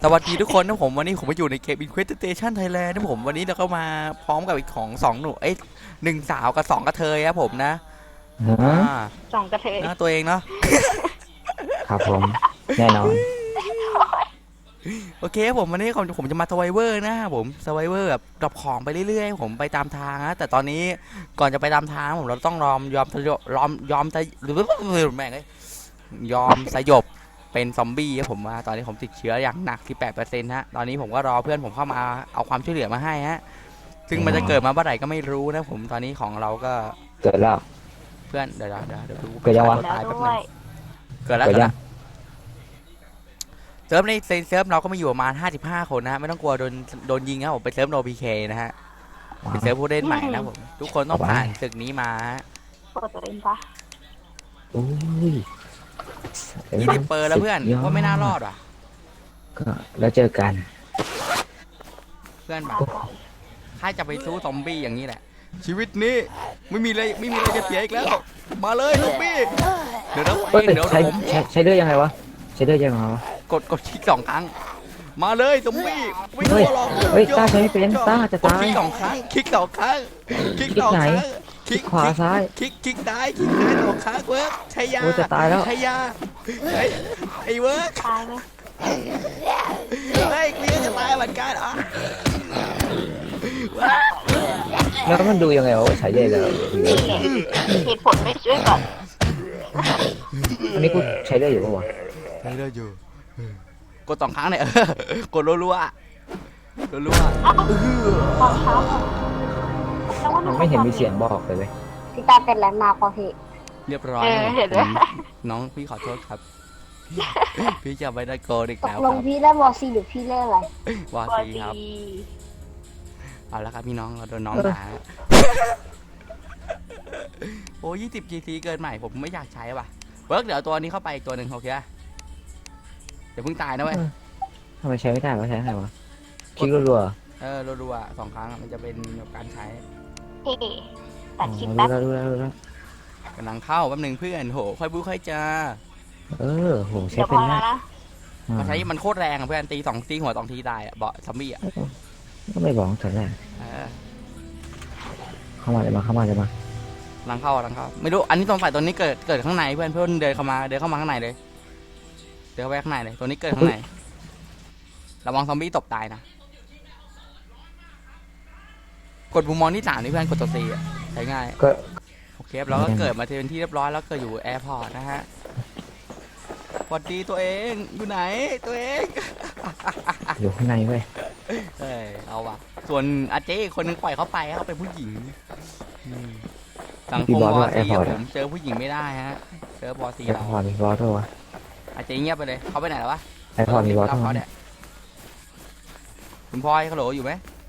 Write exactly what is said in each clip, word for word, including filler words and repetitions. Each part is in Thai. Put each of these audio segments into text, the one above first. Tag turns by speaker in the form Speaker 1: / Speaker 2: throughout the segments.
Speaker 1: สวัสดีทุกคนนะผมวันนี้ผมมาอยู่ในเกม Inquisition Thailand นะผมวันนี้เราก็มาพร้อมกับอีกของสองหนูเอ้ยหนึ่งสาวกับสองกระเทยครับผมนะอ่า
Speaker 2: สองกระเทย
Speaker 1: นะตัวเองเนาะ
Speaker 3: ครับผมแน่นอน
Speaker 1: โอเคผมวันนี้ผมผมจะมาสไวเวอร์นะครับผมสไวเวอร์แบบดรอปของไปเรื่อยๆผมไปตามทางนะแต่ตอนนี้ก่อนจะไปตามทางผมเราต้องยอมยอมยอมยอมหรือแม่งเลยยอมสยบเป็นซอมบี้ครับผมว่าตอนนี้ผมติดเชื้ออย่างหนักที่แปดเปอร์เซ็นต์ฮะตอนนี้ผมก็รอเพื่อนผมเข้ามาเอาความช่วยเหลือมาให้ฮะซึ่งมันจะเกิดมาเมื่อไหร่ก็ไม่รู้นะผมตอนนี้ของเราก็
Speaker 3: เกิดแล้ว
Speaker 1: เพื่อนเดี๋ยวเดี๋ยวเดี๋ยวดู
Speaker 3: เกิดยังวะ
Speaker 1: ตายแป๊บนึง
Speaker 2: ด้วย
Speaker 1: เกิดแล้วเกิดแล้วเซิร์ฟในเซิร์ฟเราก็มีอยู่ประมาณห้าสิบห้าคนนะฮะไม่ต้องกลัวโดนโดนยิงครับผมไปเซิร์ฟโนบีเคนะฮะเป็นเซิร์ฟผู้เล่นใหม่นะผมทุกคนต้องผ่านศึกนี้มา
Speaker 2: เปิดตัวเองปะ
Speaker 3: โอ้ย
Speaker 1: ยี่สิบเปอร์แล้วเพื่อนว่าไม่น่ารอดว่ะ
Speaker 3: ก็แล้วเจอกัน
Speaker 1: เพื่อนแบบถ้าจะไปสู้ซอมบี้อย่างนี้แหละชีวิตนี้ไม่มีอะไรไม่มีอะไรจะเสียอีกแล้วมาเลยซอมบี้เดี๋ยวนะเดี๋ยว
Speaker 3: ใช้
Speaker 1: ผม
Speaker 3: ใช้ใช้เลือดยังไงวะใช้เลือดยังไงวะ
Speaker 1: กดกดคลิกสองครั้งมาเลยซอมบี้ไม่ก
Speaker 3: เฮ้
Speaker 1: ลั
Speaker 3: ยว
Speaker 1: หรอก
Speaker 3: เฮ้ยต้าใช้ไม่เป็นต้าจะตาย
Speaker 1: คลิกสองครั้งคลิกสองครั้งคลิกสองครั้ง
Speaker 3: คลิกขวาซ้าย
Speaker 1: คลิกคลิกซ้ายคลิกซ้ายสองครั้งเวิร์กใช้ยา
Speaker 3: โอ้จะตายแล้ว
Speaker 1: ใช้ยาไอ้เวิร์ก
Speaker 2: ตายไหม
Speaker 1: เฮ้ยกูยังจะตายเหมือนกันอ่ะ
Speaker 3: แล้วมันดูยังไงวะใช้เลือดแล้ว
Speaker 2: เหตุผลไม่ช่วยก่อน
Speaker 3: อันนี้กูใช้เลือดอยู่ปะวะ
Speaker 1: ใช้ได้อยู่กดสองครั้งเนี่ยกดรัวๆรัว
Speaker 2: ตอนเช้า
Speaker 3: มันไม่เห็นมีเสียงบอกเลยเว้ย
Speaker 2: พี่ตาเป็นแลนด์มาร์คพอพี่
Speaker 1: เรียบร้อย
Speaker 2: เห็นไหม
Speaker 1: น้องพี่ขอโทษครับพี่จะไม่ได้โกรธอีก
Speaker 2: ต
Speaker 1: แล้
Speaker 2: ก
Speaker 1: วครับ
Speaker 2: ลงพี่เล่นวอซีหรือพี่เล่นอะไร
Speaker 1: วอซีครับเอาละครับพี่น้องเราโดนน้องด่าโอ้ยี่สิบจีซีเกินใหม่ผมไม่อยากใช้ว่ะเวิร์กเดี๋ยวตัวนี้เข้าไปอีกตัวหนึ่งโอเคเดี๋ยวเพิ่งตายนะเว้ย
Speaker 3: ทำไมใช้ไม่ได้วะใช้ไงวะคลิกรัว
Speaker 1: ๆเออรัวๆสองครั้งมันจะเป็นการใช้
Speaker 2: พี่ตัดคลิป
Speaker 3: ๆ
Speaker 2: แป๊บ
Speaker 3: รู้แล้วรู้แล้ว
Speaker 1: กำลังเข้าแป๊บนึงเพื่อนโหค่อยบู๊ค่อยจ้า
Speaker 3: เออโหใช้
Speaker 2: เดี๋ยวพ
Speaker 3: เป็น
Speaker 2: อแล้
Speaker 3: นะ
Speaker 2: วนะ
Speaker 1: มันใช้มันโคตรแรงอ่ะเพื่อนตีสองตีหัวสองทีตายอ่ะเบาะซอมบี้อ่ะ
Speaker 3: ก็ไม่บอกแต่แรกเข้ามาเลยมาเข้ามาเลยมา
Speaker 1: ลังเข้าลังเข้าไม่รู้อันนี้ตรงฝ่ายตัวนี้เกิดเกิดข้างในเพื่อนเพื่อนเดินเข้ามาเดินเข้ามาข้างในเลยเดินเข้าไปข้างในเลยตัวนี้เกิดข้างในระวังซอมบี้ตบตายนะกดปุ่มมองที่สามนี่เพื่อนกดตัวซีอ่ะใช้ง่าย
Speaker 3: ก็
Speaker 1: โอเคเราก็เกิดมาเป็นที่เรียบร้อยแล้วเกิดอยู่แอร์พอร์ตนะฮะสวัสดีตัวเองอยู่ไหนตัวเอง
Speaker 3: อยู่ข้างในเว้ย
Speaker 1: เอ้ยเอาว่ะส่วนอาเจ้คนนึงปล่อยเขาไปเขาเป็นผู้หญิงสังคมบอสีผมเจอผู้หญิงไม่ได้ฮะเจอบอสีเรา
Speaker 3: ไอพอร์มีบอสด้วยวะ
Speaker 1: อาเจ้เงียบไปเลยเขาไปไหนแล้ววะ
Speaker 3: ไอพอร์มีบอสด้วย
Speaker 1: เนี่ยคุณพลอยเขาโหลอยู่ไหม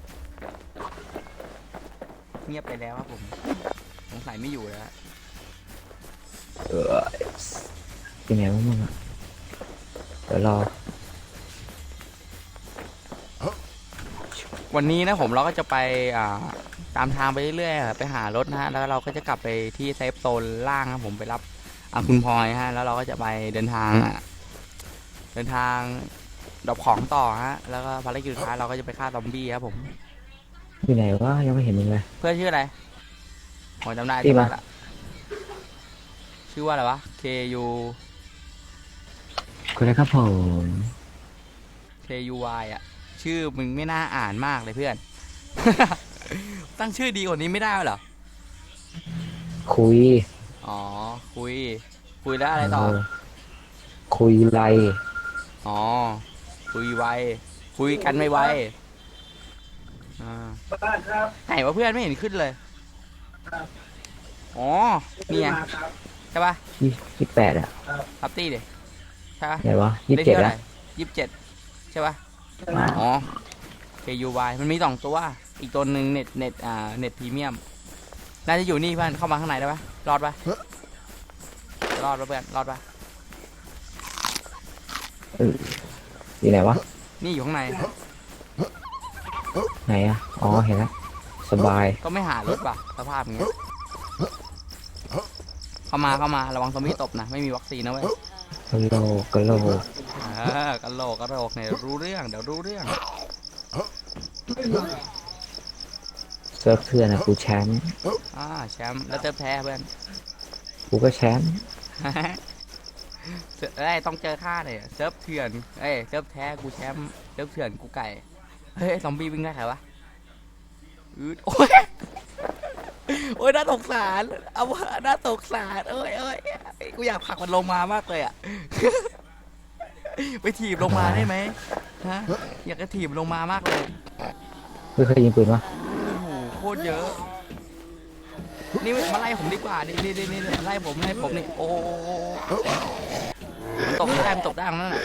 Speaker 1: เงียบไปแล้วครับผมสงสัยไม่อยู่แล้ว
Speaker 3: เออเป็นไงวะมึงอ่ะเดี๋ยวรอ
Speaker 1: วันนี้นะผมเราก็จะไปอ่าตามทางไปเรื่อยๆไปหารถนะฮะแล้วเราก็จะกลับไปที่เซฟโซนล่างครับผมไปรับคุณพลอยฮะแล้วเราก็จะไปเดินทางเดินทางดรอปของต่อฮะแล้วก็ภารกิจสุดท้ายเราก็จะไปฆ่าซอมบี้ครับผม
Speaker 3: อยู่ไหนวะยังไม่เห็นมึงเลย
Speaker 1: เพื่อนชื่ออะไรผมจำได้ที่มาละชื่อว่าอะไรวะ K U
Speaker 3: คุณนะครับผม
Speaker 1: K U Y อ่ะชื่อมึงไม่น่าอ่านมากเลยเพื่อน ตั้งชื่อดีกว่านี้ไม่ได้เหรอ
Speaker 3: คุย
Speaker 1: อ๋อคุยคุยแล้วอะไรต่อ
Speaker 3: คุยไร
Speaker 1: อ๋อคุยไวคุยกันไม่ไวอ่าไหนวะเพื่อนไม่เห็นขึ้นเลยอ๋อนี่ไงใช่ปะ
Speaker 3: ยี่สิบแปดอ่ะ
Speaker 1: ทับตี้ดิใช่ปะ
Speaker 3: ไหนวะยี่สิบเจ็ดแล้ว
Speaker 1: ยี่สิบเจ็ดใช่ปะอ๋อ K U Y มันมีสองตัวอีกตัวหนึ่งเน็ตเน็ตอ่าเน็ตพรีเมียมน่าจะอยู่นี่เพื่อนเข้ามาข้างในได้ปะรอดปะรอดปะเพื่อนรอดปะ
Speaker 3: เอออยู่ไหนวะ
Speaker 1: นี่อยู่ข้างใน
Speaker 3: ไหนอ่ะอ๋อเห็นแล้วสบาย
Speaker 1: ก็ไม่หารถป่ะสภาพอย่างเงี้ยเข้ามาเข้ามาระวังซอมบี้ตบนะไม่มีวัคซีนนะเว้ย
Speaker 3: กะโลกะโล
Speaker 1: กะโหลกกะโหลกเนี่ยรู้เรื่องเดี๋ยวรู้เรื่อง
Speaker 3: เซิร์ฟเถื่อนอะกูแชมป์
Speaker 1: อ่าแชมป์แล้วเติมแพ้เพื่อน
Speaker 3: กูก็แชมป์
Speaker 1: เอ้ยต้องเจอข้าเนี่ยเซิร์ฟเถื่อนเอ้ยเซิร์ฟแท้กูแชมป์เซิร์ฟเถื่อนกูไก่เฮ้ยซอมบี้วิ่งได้ใครวะอืดโอ้ยโอ้ยน่าสงสารเอาวะน่าสงสารเอ้ยเอ้ยกูอยากผลักมันลงมามากเลยอ่ะ ไปถีบลงมาได้ไหมฮะอยากจะถีบลงมามากเลย
Speaker 3: ไม่เคยยิงปืนวะ
Speaker 1: โอ้โหโคตรเยอะ นี่มาไล่ผมดีกว่า นี่นี่นี่นี่ไล่ผมไล่ผมนี่ โอ้มันตกได้มันตกได้ตรงนั้นน่ะ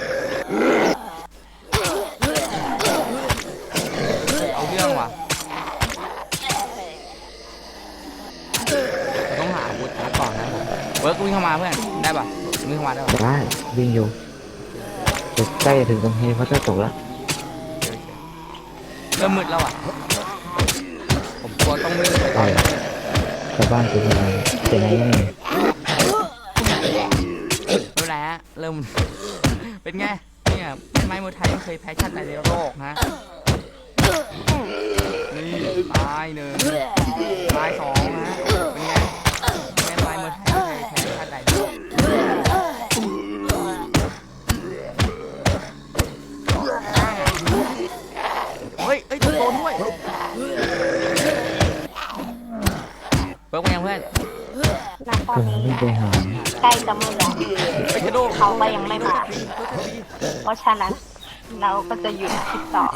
Speaker 1: เอาเรื่องว่ะต้องหาอาวุธก่อนนะผมเวิร์กวิ่งเข้ามาเพื่อน ได้ป่ะวิ่งเข้ามาได้ป่ะ
Speaker 3: ได้วิ่งอยู่จะใกล้จะถึงตรงเฮลิคอปเตอร์ตกแล้ว
Speaker 1: เริ่มมืดแล้วอ่ะ ผมกลัวต้องวิ่งไป
Speaker 3: ใช่ชาวบ้านเป็นอะไรเป็นไงยังไง
Speaker 1: ดูแลเริ่ม เป็นไงเนี่ยเป็นไม้มวยไทยไม่เคยแพ้ชาติใดในโลกนะนี่ตายหนึ่งตายสองนะเป็นไงเป็นไม้มวยไทยไม่เคยแพ้ชาติใดในโลกเฮ้ยเฮ้ยโดนด้วยเบิร์กเป็นยังเพื่อน
Speaker 2: ณตอน
Speaker 3: ผม
Speaker 2: นี้
Speaker 3: ไม่ไปหา
Speaker 2: ใกล้จะมืดแล้ว
Speaker 1: ไปกระโดด
Speaker 2: เขาก็ยังไม่มา เพราะฉะนั้นเราก็จะหยุดคลิปต่อ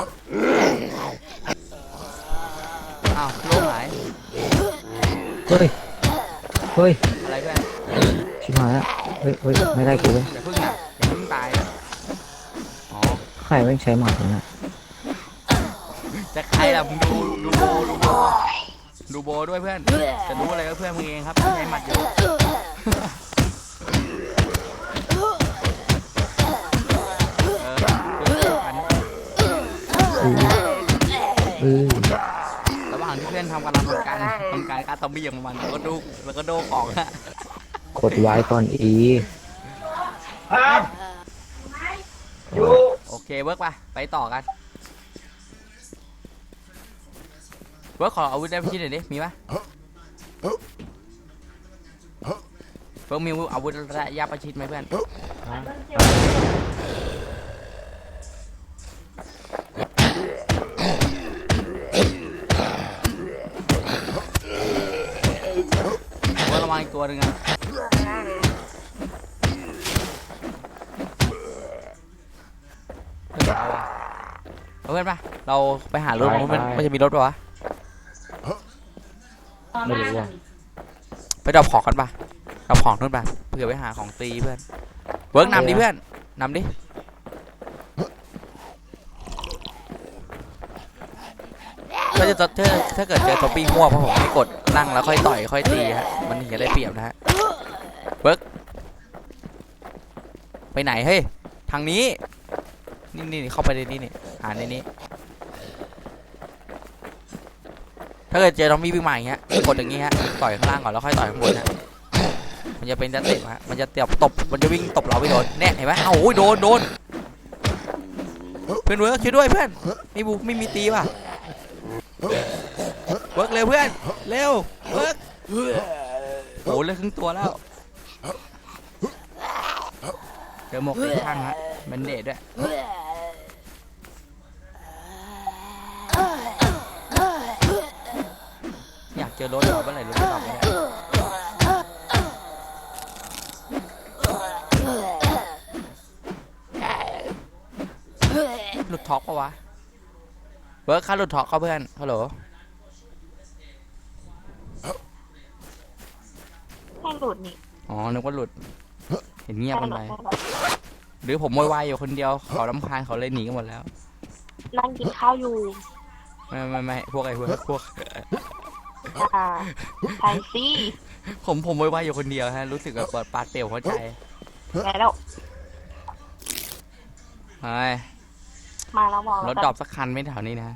Speaker 1: อ้าวโลหาย
Speaker 3: เฮ้ยเฮ้ย
Speaker 1: อะไรเพื่อน
Speaker 3: ชิบหายแล้วเฮ้ยเฮ้ยไม่ได้กูเลย
Speaker 1: อย่าพึ่งนะอย่าพึ่งตายนะอ๋อ
Speaker 3: ใครแม่งใช้หมาตรงนั้น
Speaker 1: จะใครล่ะมึงดูดูโบดูโบดูโบด้วยเพื่อนจะรู้อะไรก็เพื่อนมึงเองครับใช้หมัดอยู่เออเพื่อนอัน
Speaker 3: อืออือ
Speaker 1: ระหว่างที่เพื่อนทำกำลังทำการทำการการซอมบี้ของมันแล้วก็ดูแล้วก็โดของฮะ
Speaker 3: กดไว้ก่อนอี
Speaker 1: โอเคเวิร์กไปไปต่อกันเวิร์กขออาวุธได้พี่หน่อยดิมีปะเฟิร์กมีอาวุธระยะประชิดไหมเพื่อนเวิร์กระวังอีกตัวหนึ่งอะเอาเพื่อนปะเราไปหารถมันมันจะมีรถปะวะ
Speaker 3: ไม่รู้อ่ะ
Speaker 1: ไปดรอปของกันปะดรอปของนู่นปะเผื่อไปหาของตีเพื่อนเวิร์กนำดิเพื่อนนำดิถ้าจะถ้าถ้าเกิดเจอซอมบี้ง่วงเพราะผมไม่กดนั่งแล้วค่อยต่อยค่อยตีฮะมันถึงจะได้เปรียบนะฮะเวิร์กไปไหนเฮ้ยทางนี้นี่นี่เข้าไปในนี้นี่หาในนี้ถ้าเกิดเจอซอมบี้วิ่งมาอย่างเงี้ยกดอย่างงี้ฮะต่อยข้างล่างก่อนแล้วค่อยต่อยข้างบนฮะมันจะเป็นจะเตะฮะมันจะเตะตบมันจะวิ่งตบเราไปโดนเนี่ยเห็นไหมเอ้าโอ้ยโดนโดนเพื่อนเวิร์กช่วยด้วยเพื่อนไม่บุไม่มีตีว่ะเวิร์กเร็วเพื่อนเร็วเวิร์กโอ้เลือดครึ่งตัวแล้วเจอหมกติดข้างฮะมันเดดด้วยอยากเจอรถเหรอเมื่อไหร่รถจะตอบไม่ได้หลุดท็อกปะวะเวิร์กค่าหลุดท็อกเขาเพื่อนฮัลโหล
Speaker 2: ให้หลุดนี่
Speaker 1: อ๋อนึกว่าหลุดเห็นเงียบ
Speaker 2: ให้
Speaker 1: กัน
Speaker 2: หลุ
Speaker 1: ไป
Speaker 2: ดให้หลุด
Speaker 1: หรือผมโวยวายอยู่คนเดียวเขาลำคาญเขาเลยหนีกันหมดแล้ว
Speaker 2: นั่งกินข้าวอยู่
Speaker 1: ไม่ไม่ไม่พวกไอ้พวกพวก
Speaker 2: อ่าใช่สิ
Speaker 1: ผมผมโวยวายอยู่คนเดียวฮะรู้สึกแบบเปิดปาดเปลี่ยวหัวใจ
Speaker 2: แล้ว
Speaker 1: เฮ้ย
Speaker 2: มาแล้วบอก
Speaker 1: ร
Speaker 2: แล้ว
Speaker 1: ถดรอปสักคันไม่แถวนี้นะ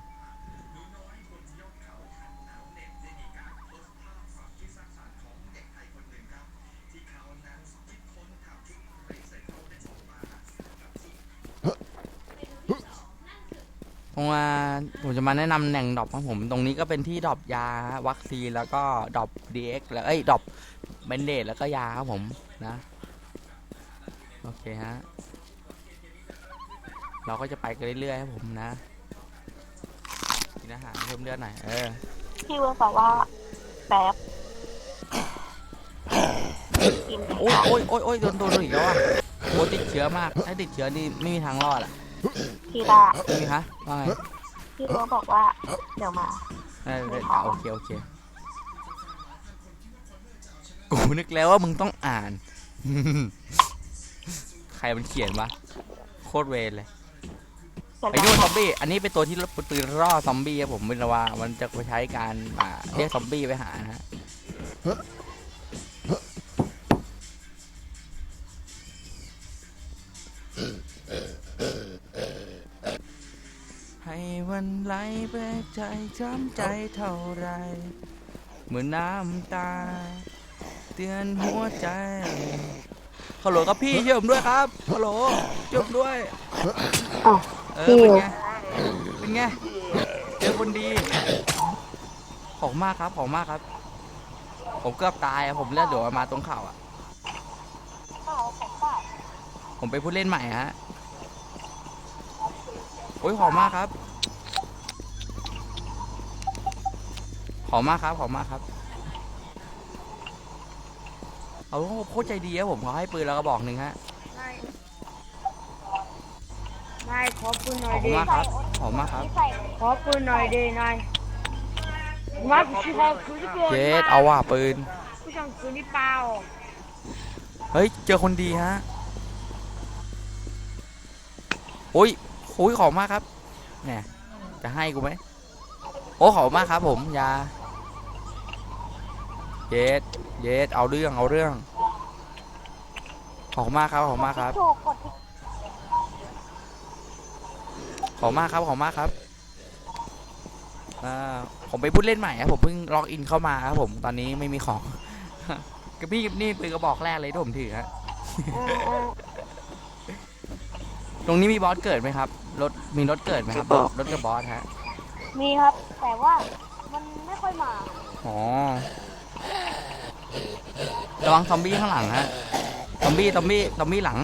Speaker 1: ผมว่าผมจะมาแนะนำแหล่งดรอปของผมตรงนี้ก็เป็นที่ดรอปยาวัคซีนแล้วก็ดรอป ดี เอ็กซ์ แล้วเอ้ยดรอปเบนเดดแล้วก็ยาครับผมนะโอเคฮะเราก็จะไปกันเรื่อยๆครับผมนะกินอาหารเพิ่มเลือดหน่อยเออ
Speaker 2: พี่เวิร์กบอกว่าแป๊บกิน
Speaker 1: โอ้ยโอ้ยโอ้ยโอ้ยโดนโดนอีกแล้วอ่ะโอ้ติดเชื้อมากถ้าติดเชื้อนี่ไม่มีทางรอดอ่ะ
Speaker 2: พี่ดา
Speaker 1: นี่ฮะว่าไง
Speaker 2: พี่เวิร์กบอกว่าเดี๋ยวมา
Speaker 1: เออเออโอเคโอเคกูนึกแล้วว่ามึงต้องอ่าน ใครมันเขียนวะโคตรเวรเลย
Speaker 2: เสร็จ
Speaker 1: ไอ้
Speaker 2: แล้
Speaker 1: นู่
Speaker 2: วน
Speaker 1: ซอมบี้อันนี้เป็นตัวที่ปืนล่อซอมบี้ครับผมเวลาว่ามันจะไปใช้การอ่าเรียกซอมบี้ไปหานะฮะให้วันไหลไปใจช้ำใจเท่าไรเมื่อน้ำตาเตือนหัวใจฮัลโหลครับพี่ช่วยผมด้วยครับฮัลโหลช่วยผมด้วย
Speaker 2: อ๋อ
Speaker 1: เออเป็นไงเป็นไงเจอคนดีขอบมากครับขอบมากครับผมเกือบตายอะผมเลือดเดี๋ยวมาตรงเข่าอ่ะผมไปนผู้เล่นใหม่ฮะโอ้ยขอบมากครับขอบมากครับขอบมากครับเอาโคตรใจดีครับผมเขาให้ปืนแล้วก็บอกหนึ่งฮะ
Speaker 4: นายขอปืนหน่
Speaker 1: ข
Speaker 4: อ
Speaker 1: อย บคุ
Speaker 4: ดิ
Speaker 1: ณมากครับขอบมากครับ
Speaker 4: ขอปืนหน่อยดินายมาผู้ชายคือที่เกิด
Speaker 1: เจสเอาว่ะปืน
Speaker 4: ผู้ชายคือนี่เปล่า
Speaker 1: เฮ้ยเจอคนดีฮะโอ้ยโอ้ยขอบมากครับเนี่ยจะให้กูไหมโอ้ขอบมากครับผมยาเยสเยสเอาเรื่องเอาเรื่องขอบมากครับขอบมากครับ
Speaker 2: ถูกกดที่
Speaker 1: ขอบมากครับขอบมากครับอ่าผมไปพูดเล่นใหม่ครับผมเพิ่งล็อกอินเข้ามาครับผมตอนนี้ไม่มีของ กระพี่นี่ปืนกระบอกแรกเลยที่ผมถือฮะ ตรงนี้มีบอสเกิดไหมครับรถมีรถเกิดไหมครับรถกับบอสฮะ
Speaker 2: มีครับ แต่ว่ามันไม่ค่อยมา
Speaker 1: อ๋อระวังซอมบี้ข้างหลังฮะซอมบี้ซอมบี้ซอมบี้หลัง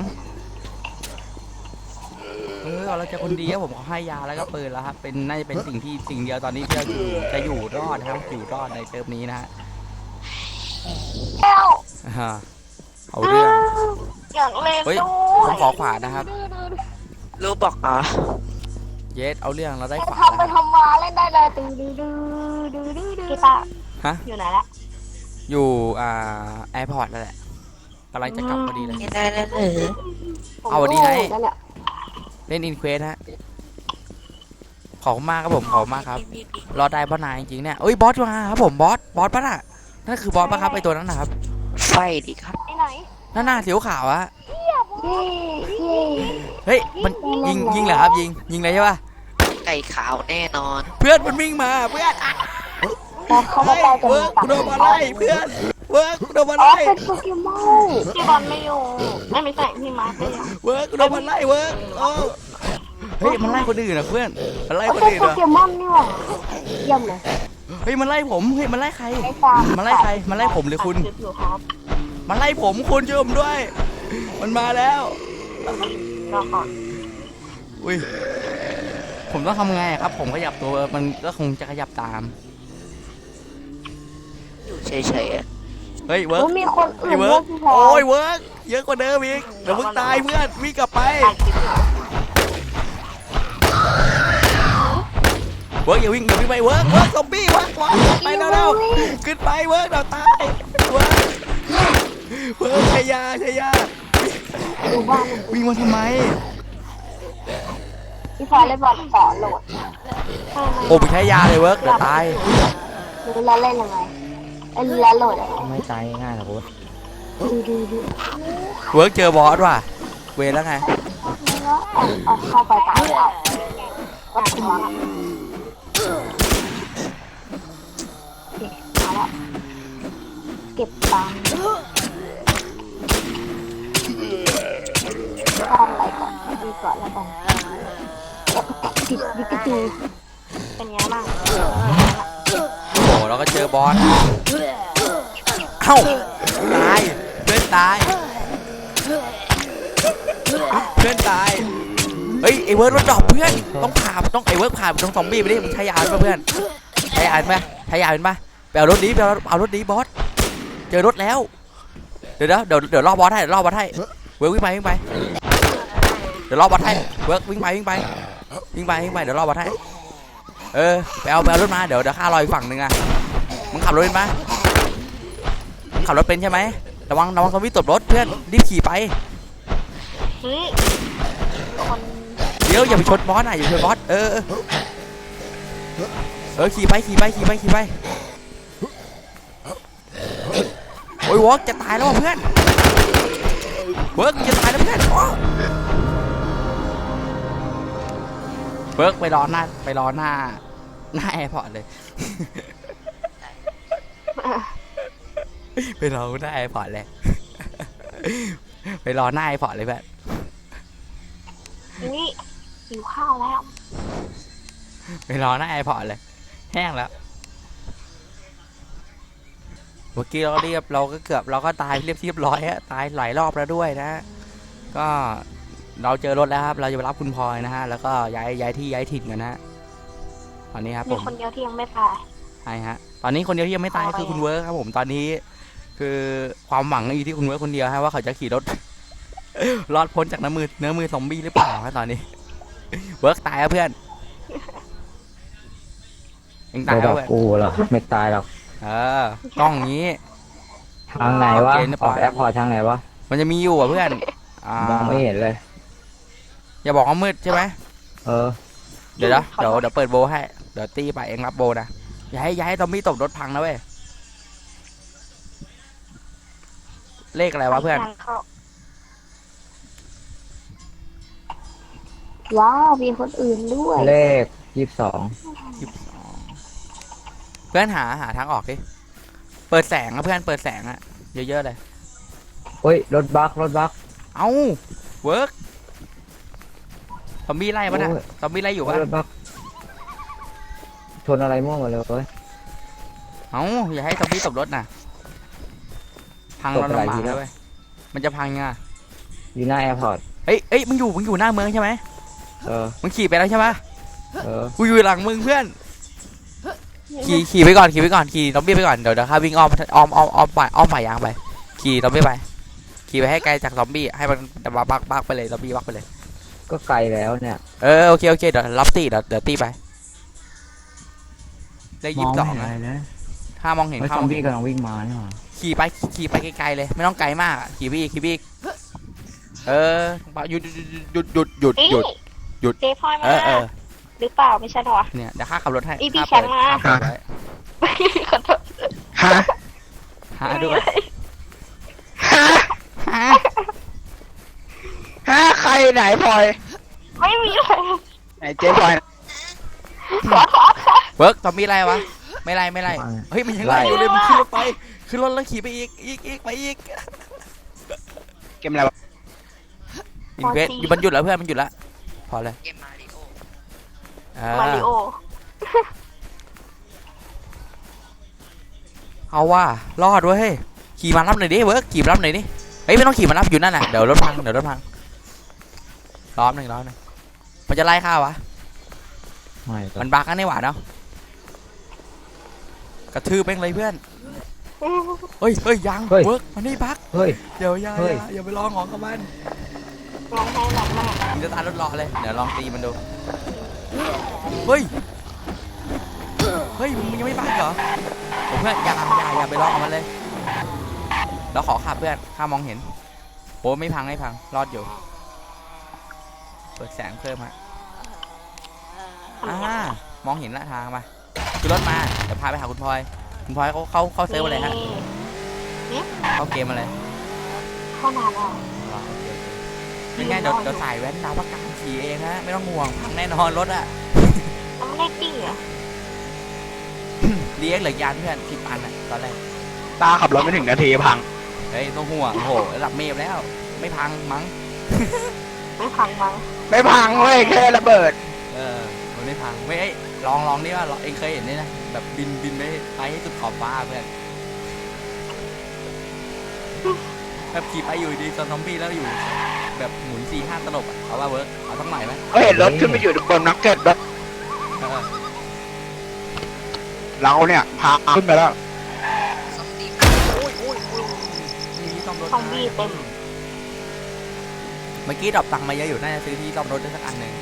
Speaker 1: เออเราจะคนดีครับผมเขาให้ยาแล้วก็ปืนแล้วครับเป็นน่าจะเป็นสิ่งที่สิ่งเดียวตอนนี้ที่จะอยู่จะอยู่รอดนะครับอยู่รอดในเติมนี้นะฮะ
Speaker 2: แก้ว
Speaker 1: อ่าเอาเรื่อง
Speaker 2: อย่างเล่น
Speaker 1: เฮ้ย
Speaker 2: ด้
Speaker 1: ผ
Speaker 2: ว
Speaker 1: ม
Speaker 2: ย
Speaker 1: ขอขวานนะครับ
Speaker 3: รู้บอกอ่ะ
Speaker 1: เยสเอาเรื่องเราได้ขวาน
Speaker 2: ทำไป
Speaker 1: แล้วครับ
Speaker 2: ทำมาเล่นได้เลยดื้อดื้อดื้อดื้อดื้อดื้อกีตาร์
Speaker 1: ฮะ
Speaker 2: อยู่ไหนละ
Speaker 1: อยู่อ่าแอร์พอร์ตแล้วแหละกำลังจะกลับพอดีเลย
Speaker 3: ไม่ได้แล้วเหรอ
Speaker 1: เอาดีไหน
Speaker 2: นั่นแหละ
Speaker 1: เล่นอินเควสฮะขอบคุณมากครับผมขอบคุณมากครับรอได้บอสนายจริงๆเนี่ยเอ้ยบอสมาครับผมบอสบอสปะน่ะนั่นคือบอสปะครับไอตัวนั้นนะครับ
Speaker 3: ไฟดิครับ
Speaker 2: ไอ้ไหน
Speaker 1: นั่นหน้าสีขาวอะ
Speaker 2: เย่เย่
Speaker 1: เฮ้ยมันยิงยิงเหรอครับยิงยิงเลยใช่ปะ
Speaker 3: ไก่ขาวแน่นอน
Speaker 1: เพื่อนมันวิ่งมาเพื่อนอ่ะ
Speaker 2: แต่เขาไม่
Speaker 1: เฮ้ย
Speaker 2: ได้จะ
Speaker 1: เวิ
Speaker 2: มี
Speaker 1: ร์กกูโดนมาไล่เพื่อนเวิร์กกูโดนมา
Speaker 2: อ๋อ
Speaker 1: ไล่
Speaker 2: เป็นโปเกมอนพี่บอลไม่อยู่ไม่ไม่ใช่พี่มาร์คไม่อยู่
Speaker 1: เวิร์กกูโดนมาไล่เวิร์กโอ้เฮ้ยมันไล่คนอื่นนะเพื่อนมันไล่คน
Speaker 2: เป็น
Speaker 1: อื่น
Speaker 2: โป
Speaker 1: นะ
Speaker 2: เกมอนนี่หว่าเยี่ยมเลย
Speaker 1: เฮ้ยมันไล่ผมเฮ้ยมันไล่ใคร
Speaker 2: ไอ้ฟาร์
Speaker 1: มันไล่ใครมันไล่ผมหรือคุณ
Speaker 2: ดอยู่ครับ
Speaker 1: มันไล่ผมคุณช่วยผมด้วย มันมาแล้ว
Speaker 2: รอก่อน
Speaker 1: อุ้ยผมต้องทำไงครับ ผมขยับตัวมันก็คงจะขยับตาม
Speaker 3: อยู่เฉยๆอะ
Speaker 1: เฮ้ยเวิร์ก
Speaker 2: โอ้มีคนอื่
Speaker 1: ไอ้
Speaker 2: น
Speaker 1: เวิ
Speaker 2: ด้
Speaker 1: ร์
Speaker 2: ว
Speaker 1: ก
Speaker 2: ยพี่แพร
Speaker 1: โอ้ยเวิร์กเยอะกว่าเดิมอีกเดี๋ยวมึงตายเพื่อนวิ่งกลับไป
Speaker 2: ถ่ายคลิปอยู่
Speaker 1: เวิร์กอย่าวิ่งอย่าวิ่งไปเวิร์กเวิร์กซอมบี้เวิร์กเวิร์กไปแล้วเร็วๆขึ้นไปเวิร์กเราตายเวิร์กเวิร์กชายาชายา
Speaker 2: ดูบ้าน
Speaker 1: วิ่งมาทำไม
Speaker 2: พี่แพรเลยบอกต่อโหลด
Speaker 1: โอ้ไปใช้ยาเลยเวิร์กเดี๋ยวตาย
Speaker 2: รู้แล้วเล่นยังไงเอ้ยรู้แล้วโหลดอะไร
Speaker 3: ไม่ตายง่ายหรอกคุณ
Speaker 2: ดูดูดู
Speaker 1: เวิร์กเจอบอสว่ะเวรแล้วไง
Speaker 2: เอาเข้าไปตายเอาก็ถึงแล้วมาแล้วเก็บตังค์ทำอะไรก่อนดีก่อนแล้วกัน
Speaker 4: ดิกระจู
Speaker 2: เป็นไงบ้าง
Speaker 1: โอ้โหเราก็เจอบอสเอ้าตายเพื่อนตายเพื่อนตายเฮ้ยไอเวิร์ดรถดรอปเพื่อนต้องผ่าต้องไอเวิร์ดผ่าต้องซอมบี้ไปดิมึงใช้ยาเป็นปะเพื่อนใช้ยาเป็นปะใช้ยาเป็นปะไปเอารถนี้ไปเอาเอารถนี้บอสเจอรถแล้วเดี๋ยวเดี๋ยวเดี๋ยวรอบอสให้รอบอสให้เวิร์ดวิ่งไปวิ่งไปเดี๋ยวรอบอสให้เวิร์ดวิ่งไปวิ่งไปวิ่งไปวิ่งไปเดี๋ยวรอบอสให้เออไปเอาไปเอารถมาเดี๋ยวเดี๋ยวข้ารออีกฝั่งหนึ่งอะมึงขับรถเป็นปะมึงขับรถเป็นใช่ไหมระวังระวังซอมบี้ตบรถเพื่อนรีบขี่ไป
Speaker 2: เฮ้ยคน
Speaker 1: เดี๋ยวอย่าไปชนบอสนะอย่าไปชนบอสเออเออเออขี่ไปขี่ไปขี่ไปขี่ไปโอ้ยวอกจะตายแล้วเพื่อนเวิร์กจะตายแล้วเพื่อนเวิร์กไปรอหน้าไปรอหน้าหน้าแอร์พอร์ตเลย ไปรอหน้าแอร์พอร์ตเลย ไปรอหน้าแอร์พอร์ตเลยเพื่อน
Speaker 2: นี่หิวข้าวแล้ว
Speaker 1: ไปรอหน้าแอร์พอร์ตเลยแห้งแล้วเมื่อกี้เราเรียบเราก็เกือบเราก็ตายเรียบเรียบร้อยฮะตายหลายรอบแล้วด้วยนะก็เราเจอรถแล้วครับเราจะไปรับคุณพลอยนะฮะแล้วก็ย้ายย้ายที่ย้ายถิ่นกันนะตอนนี้ครับผ
Speaker 2: มี
Speaker 1: ม
Speaker 2: คนเดียวที่ยังไม่ตาย
Speaker 1: ใช่ฮะตอนนี้คนเดียวที่ยังไม่ตายคือคุณเวิร์คครับผมตอนนี้คือความหวังอยู่ที่คุณเวิร์คคนเดียวฮะว่าเขาจะขี่รถ รอดพ้นจากน้ำมือเนื้อมือซอมบี้หรือเปล่าฮะตอนนี้ เวิร์คตายแล้วเพื่อนยังตาย
Speaker 3: ระ
Speaker 1: แล้
Speaker 3: ดั
Speaker 1: ว
Speaker 3: บ
Speaker 1: เพื่อน
Speaker 3: กูเหรอไม่ตายหรอก
Speaker 1: เออกล้องอย่างนี้
Speaker 3: ทางไหนวะ
Speaker 1: เกณฑ์หรือเป
Speaker 3: อ
Speaker 1: ล่า
Speaker 3: อกแอร์พอร์ตทางไหนวะ
Speaker 1: มันจะมีอยู่อ่ะเพื่อนอ่าม
Speaker 3: องไม่เห็นเลย
Speaker 1: อย่าบอกว่ามืดใช่ไหม
Speaker 3: เออ
Speaker 1: เดี๋ยวนะเดี๋ยวเดี๋ยวเปิดโบให้เดี๋ยวตีไปเองรับโบนะอย่าให้อย่าให้ซอมบี้ตบรถพังนะเว้ยเลขอะไรวะเพื่อน
Speaker 2: ว้าวมีคนอื่นด้วย
Speaker 3: เลขยี่สิบสอง
Speaker 1: เพื่อนหาหาทางออกดิเปิดแสงอะเพื่อนเปิดแสงอะเยอะๆเลย
Speaker 3: เฮ้ยรถบักรถบัก
Speaker 1: เอ้าเวิร์กซอมบี้ไล่ปะนะ
Speaker 3: โอ้ย
Speaker 1: ซอมบี้ไล่อยู่ปะ
Speaker 3: รถบักชนอะไรมั่วหมดเลยเว้ย
Speaker 1: เอ้าอย่าให้ซอมบี้ตบรถนะพัง
Speaker 3: ตบ
Speaker 1: เรา
Speaker 3: อะไร
Speaker 1: ลำบาก
Speaker 3: ที
Speaker 1: เล
Speaker 3: แล้
Speaker 1: ยว เว้ยมันจะพังไง
Speaker 3: อยู่หน้าแอร์พอร์ต
Speaker 1: เอ้ยเอ้ยมึงอยู่มึงอยู่หน้าเมืองใช่ไหม
Speaker 3: เออ
Speaker 1: มึงขี่ไปแล้วใช่ปะ
Speaker 3: เออ
Speaker 1: กูอยู่หลังมึงเพื่อนขี่ขี่ไปก่อนขี่ไปก่อนขี่ซอมบี้ไปก่อนเดี๋ยวเดี๋ยวข้าวิ่งอ้อมอ้อมอ้อมอ้อมไปอ้อมฝ่ายยางไปขี่ซอมบี้ไปขี่ไปให้ไกลจากซอมบี้ให้มันบักบักบักไปเลยซอมบี้บักไปเลย
Speaker 3: ก็ไกลแล้วเนี่ย
Speaker 1: เออโอเคโอเคเดี๋ยวรับตีเดี๋ยวเดี๋ยวตีไปได้
Speaker 3: ม
Speaker 1: ยี่
Speaker 3: อ
Speaker 1: สิ
Speaker 3: ง
Speaker 1: บสอง
Speaker 3: ไม่เห็นอะไรเลย
Speaker 1: ถ้ามองเห็น
Speaker 3: เฮ้ย
Speaker 1: ถ้า
Speaker 3: ซ
Speaker 1: ม
Speaker 3: อ
Speaker 1: อ
Speaker 3: ม
Speaker 1: ง
Speaker 3: บี้
Speaker 1: เห็น
Speaker 3: กำลังวิ่งมาเนี่ยหว่า
Speaker 1: ขี่ไปขี่ไปไกลๆเลยไม่ต้องไกลมากอะขี่ไปอีกขี่ไปอีกเออหยุดหยุดหยุดหยุดหยุดหยุด
Speaker 2: เจ๊พลอยมา
Speaker 1: เออเออ
Speaker 2: หรือเปล่าไม่ใช่หรอ
Speaker 1: เนี่ยเดี๋ยวข้าขับรถให้
Speaker 2: อีพี่
Speaker 1: ข้าเปิด
Speaker 2: แชมป์มา
Speaker 1: ข้าเปิดไว้
Speaker 2: ขอโทษ
Speaker 3: ฮะ
Speaker 1: หาด้วย
Speaker 3: ฮะฮะใครไหนพลอย
Speaker 2: ไม่มีเลย
Speaker 3: ไหนเจ๊พลอย
Speaker 2: ขอโทษค่ะ
Speaker 1: เวิร์กซอมบี้ไล่วะไม่ไล่ไม่ไล่เฮ้ยมันยังไล่อยู่เลยมันขึ้นรถไปขึ้นรถแล้วขี่ไปอีกอีกอีกไปอีก
Speaker 3: เกมอะไรวะ
Speaker 1: อินเวสมันหยุดแล้วเพื่อนมันหยุดแล้วพอเลยเออ
Speaker 2: มาริโอ
Speaker 1: เอาว่ารอดเว้ยขี่มารับหน่อยดิเวิร์กขี่มารับหน่อยดิเฮ้ยไม่ต้องขี่มารับอยู่นั่นน่ะเดี๋ยวรถพังเดี๋ยวรถพังล้อมหนึ่งล้อมหนึ่งมันจะไล่ข้าวะ
Speaker 3: ไม่
Speaker 1: มันบักกันนี่หว่าเนาะกระทืบแม่งเลยเพื่อนเฮ้ยเฮ้ยยังเวิร์กมันนี่บัก
Speaker 3: เฮ้ย
Speaker 1: เดี๋ยวอย่า
Speaker 3: เฮ้ย
Speaker 1: อย่าอย่าไปลองของกับมัน
Speaker 2: ร้องไห้หนักมาก
Speaker 1: มันจะตายรถรอเลยเดี๋ยวลองตีมันดูเฮ้ยเฮ้ยมึงยังไม่บักเหรอผมเพื่อนอย่าอย่าอย่าไปลองกับมันเลยเราขอขับเพื่อนข้ามองเห็นโอ้ไม่พังไม่พังรอดอยู่เปิดแสงเพิ่มฮะอ่ามองเห็นละทางมาคือรถมาเดี๋ยวพาไปหาคุณพลอยคุณพลอยเขาเขาเขาเซิร์ฟอะไรฮะเขาเกมอะไร
Speaker 2: เข้านานแล้ว
Speaker 1: อ๋อโอเคโอเคเป็นไงเดี๋ยวเดี๋ยวสายแว้นดาวประกาศขี่เองฮะไม่ต้องห่วงพังแน่นอนรถอะ
Speaker 2: แล้วไม่ได้ตีอ่ะ
Speaker 1: เลี้ยงเหลือยานเพื่อนสิบอันอะตอนแรก
Speaker 3: ตาขับรถไม่ถึงนาทีพัง
Speaker 1: เฮ้ยต้องห่วงโอ้โหระดับเมฟแล้ว ไม่พังมั้ง
Speaker 2: ไม่พังมั้ง
Speaker 3: ไม่พังเว้ยแค่ระเบิด
Speaker 1: เออมันไม่พังไม่เอ้ยลองลองดิว่าเองเคยเห็นนี่นะแบบบินบินไปไปให้สุดขอบฟ้าเพื่อนแบบขี่ไปอยู่ดีตอนซอมบี้แล้วอยู่แบบหมุนสี่ห้าตลบอะเอาว่าเวิร์กเอาทั้งใหม่ไหม
Speaker 5: ก็เห็นรถขึ้นไปอยู่บนนักเก็ตแบบ
Speaker 1: เออ
Speaker 5: เราเนี่ยพาขึ้นไปแล้ว
Speaker 1: นี่ซ่อมรถ
Speaker 2: ซอมบี้เต็ม
Speaker 1: เมื่อกี้ดรอปตังค์มาเยอะอยู่น่าจะซื้อที่ซ่อมรถได้สักอันหนึ่ง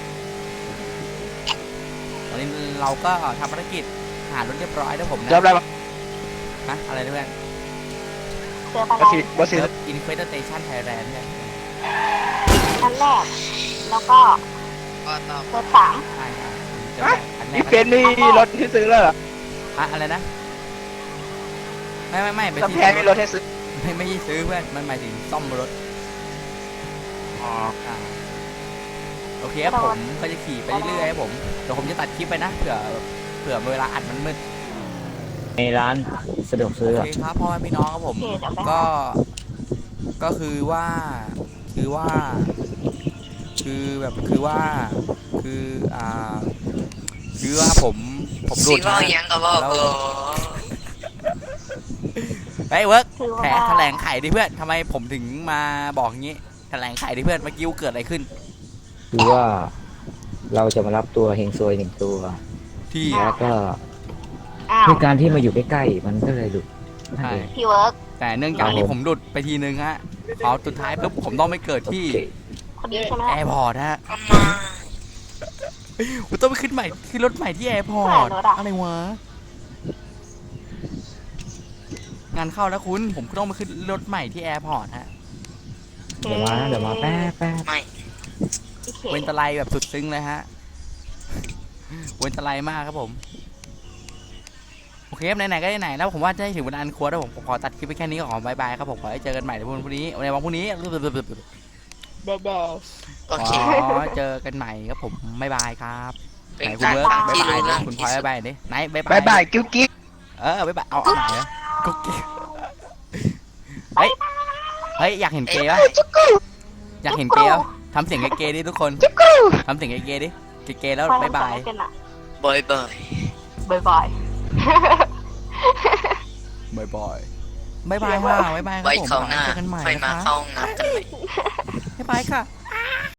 Speaker 1: ตอนนี้เราก็ทำภารกิจหารถเรียบร้อยแล้วผมนะ
Speaker 5: เจออะไรบ้าง
Speaker 1: ฮะอะไรนะเพื่อน
Speaker 2: เจอปะ
Speaker 5: บั
Speaker 2: ไร
Speaker 5: สซีบัสซี
Speaker 1: เซิร์ฟอินเควสเตชันไทยแลนด์เนี่ย
Speaker 2: ชั้นแรก แล้วก็เบอร์สาม
Speaker 1: ใช่ใช่เจอ
Speaker 5: ฮะ
Speaker 1: อันแร
Speaker 5: นี่
Speaker 1: ก
Speaker 5: เป็นนี่รถที่ซื้อแล้วเหรอ
Speaker 1: อะอะไรนะไม่ไม่ไม่ไป
Speaker 5: กำ
Speaker 1: ที่
Speaker 5: แพงมีรถให้ซื้อ
Speaker 1: ไม่ไม่ใช่ซื้อเพื่อนมันหมายถึงซ่อมรถ
Speaker 5: อ๋อ
Speaker 1: อ่าโอเคครับผมก็จะขี่ไปเรื่อยๆครับผมเดี๋ยวผมจะตัดคลิปไปนะเผื่อเผื่อเวลาอัดมันมืด
Speaker 3: ในร้านสะดวกซื้อ
Speaker 1: โอ
Speaker 3: อะ
Speaker 1: เคครับพ่อแม่พี่น้องครับผม
Speaker 2: โอเคเดี๋ยวไป
Speaker 1: ก็ก็คือว่าคือว่า คือแบบคือว่าคืออ่าคือว่าผมผมหลุดนะแล้วไปเวิร์ก
Speaker 2: คือ
Speaker 1: แถ
Speaker 2: ว่า
Speaker 1: แถลงไขดิเพื่อนทำไมผมถึงมาบอกงี้แถลงไขดิเพื่อนเมื่อกี้เกิดอะไรขึ้น
Speaker 3: คือว่าเราจะมารับตัวเฮงซวยหนึ่งตัว
Speaker 1: ที่
Speaker 3: แล้วก็
Speaker 2: อ้าว
Speaker 3: ด้วยการที่มาอยู่ใกล้ๆมันก็เลยหลุดนั่น
Speaker 1: ใช่
Speaker 3: เอง
Speaker 2: พี่เวิร์ก
Speaker 1: แต่เนื่องจาก
Speaker 3: ครับ
Speaker 1: ที่
Speaker 3: ผม
Speaker 1: ผมหลุดไปทีนึงฮะพอสุดท้ายปุ๊บผมต้องไปเกิด
Speaker 3: โอ
Speaker 1: ที่
Speaker 3: เค
Speaker 2: คนนี้ใช่ไหม
Speaker 1: แอร์พอร์ตฮะผมต้องไปขึ้นใหม่ขึ้นรถใหม่ที่แอร์พอร์ตอะไรวะงานเข้าแล้วคุณผมก็ต้องไปขึ้นรถใหม่ที่แอร์พอร์ตฮะ
Speaker 3: เดี๋ยวมาเดี๋ยวมาแป๊บแป๊บ
Speaker 2: โอเค
Speaker 1: เวนตะไลแบบสุดซึ้งเลยฮะเวนตะไลมากครับผมโอเคครับไหนๆก็ไหนๆแล้วผมว่าจะให้ถึงวันอันควรแล้วผมผมขอตัดคลิปไปแค่นี้ก่อนบายบายครับผมขอให้เจอกันใหม่ในวันพรุ่งนี้ในวันพรุ่งนี้
Speaker 2: เด็ด
Speaker 1: ขอเจอกันใหม่ครับผมบายบายครับไหนคุณเบิร์กบายบายดิคุณพลอยบายบายดิไหนบายบา
Speaker 5: บาย ยบายกิ๊วกิ๊ก
Speaker 1: เออบายบายเอาเอาไหนอะกุ๊กกิ๊กเฮ้ยเฮ้ยอยากเห็นเกย์ปะอยากเห็นเกย์ปะทำเสียงเกย์ๆดิทุกคนทำเสียงเกย์ๆดิเกย์ๆแล้ว
Speaker 2: ๆ
Speaker 1: บายบาย
Speaker 2: บายบายบายบาย
Speaker 1: บายบายบายบายค่ะบายบายครับผมเจอกันใหม่
Speaker 6: ไป
Speaker 1: นะ
Speaker 6: มา
Speaker 1: คะ
Speaker 6: เข้าห้องน้ำกันไหม
Speaker 1: บายบายค่ะ